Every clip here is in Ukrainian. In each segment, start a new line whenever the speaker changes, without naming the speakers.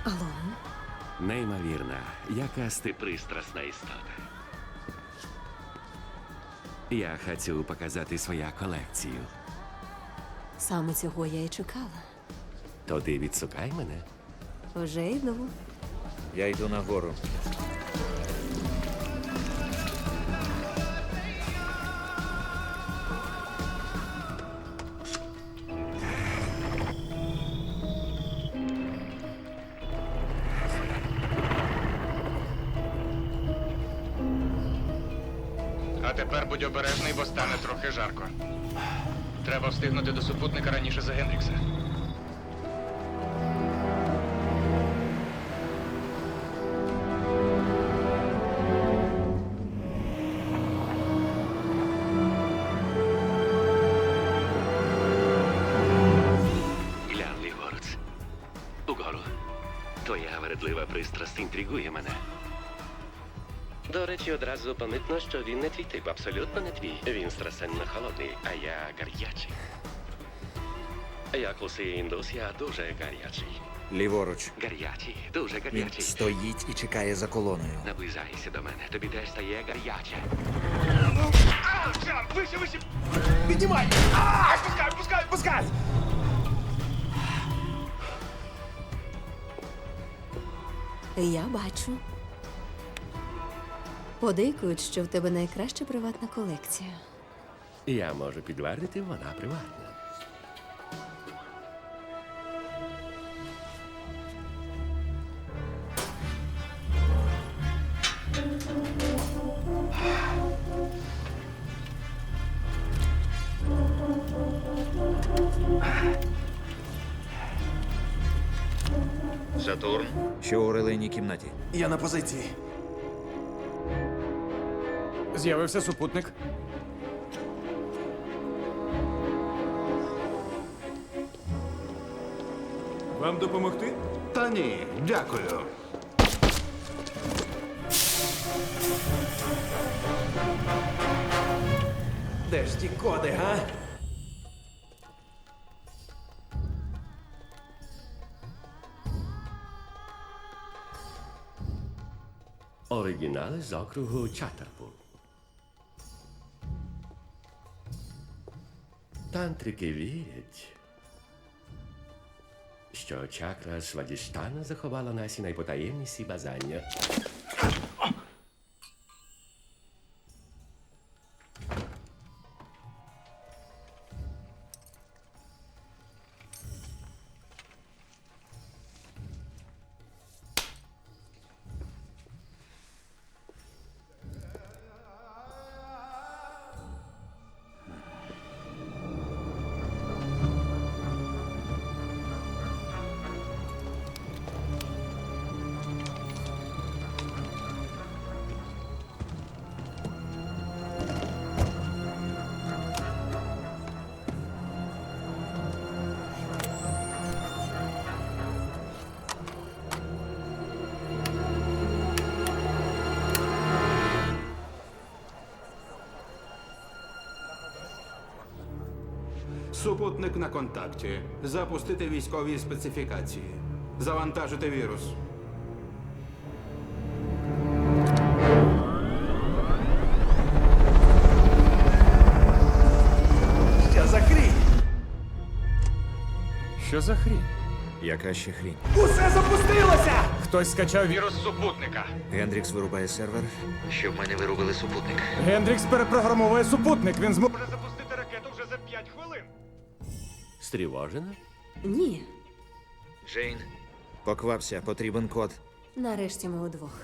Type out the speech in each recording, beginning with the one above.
Алло?
Неймовірна, якась ти пристрасна істота. Я хочу показати свою колекцію.
Саме цього я і чекала.
То ти відсукай мене.
Вже йду.
Я йду нагору.
А тепер будь обережний, бо стане трохи жарко. Треба встигнути до супутника раніше за Генрікса.
Глянь, ліворуч. Угору. Твоя вередлива пристрасть інтригує мене. До речі, одразу помітно, що він не твій тип, абсолютно не твій. Він страшенно холодний, а я гарячий. Як усе індус, я дуже гарячий.
Ліворуч.
Гарячий, дуже
Він
гарячий.
стоїть і чекає за колоною.
Наближайся до мене, тобі теж стає гаряче.
Джамп! Вище, вище! Піднімай! Пускай, пускай, пускай!
Я бачу. Подейкують, що в тебе найкраща приватна колекція.
Я можу підтвердити, вона приватна.
Сатурн. Що у релейній кімнаті?
Я на позиції.
З'явився супутник.
Вам допомогти? Та ні, дякую. Де ж ті коди, га?
Оригінали з округу Чаттерпул. Тантрики вірять, що чакра Свадіштана заховала наші найпотаємніші бажання.
Супутник на контакті. Запустити військові специфікації. Завантажити вірус. Що за хрінь?
Що за хрінь?
Яка ще хрінь?
Усе запустилося!
Хтось скачав вірус супутника.
Гендрікс вирубає сервер. Що в мене вирубили супутник.
Гендрікс перепрограмовує супутник. Він зможе запустити ракету вже за 5 хвилин.
Стривожена?
Ні.
Джейн. Поквапся, потрібен код.
Нарешті ми удвох.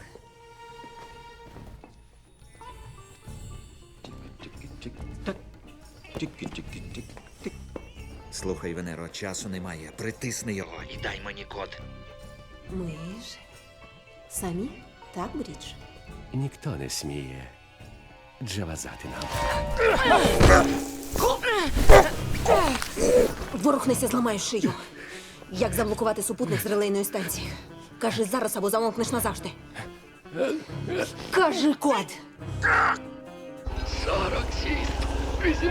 Слухай, Венеро, часу немає. Притисни його і дай мені код.
Ми ж самі, так, Брідж?
Ніхто не сміє джавазати нам.
Ворухнися, зламаю шию. Як заблокувати супутник з релейної станції? Кажи зараз або замовкнеш назавжди. Кажи код.
46,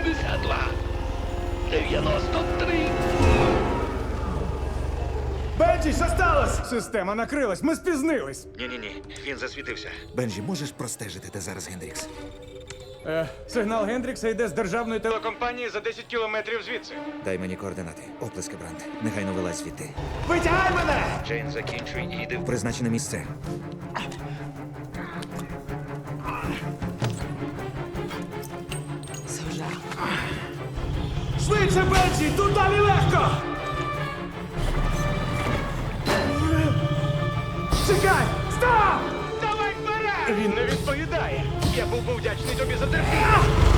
82, 93.
Бенні!
Бенджі, що сталося? Система накрилась, ми спізнились.
Ні, він засвітився. Бенджі, можеш простежити, де зараз Гендрікс?
Сигнал Гендрікса йде з державної телекомпанії за 10 кілометрів звідси.
Дай мені координати. Оплески, Бранд. Негайно вилазь звідти.
Витягай мене!
Джейн, закінчуй і йди в призначене місце.
Це вже.
Швидше, Бенджі, тут далі легко! Чекай! Стоп! Давай вперед! Він не відповідає. Я був вдячний тобі за терпіння.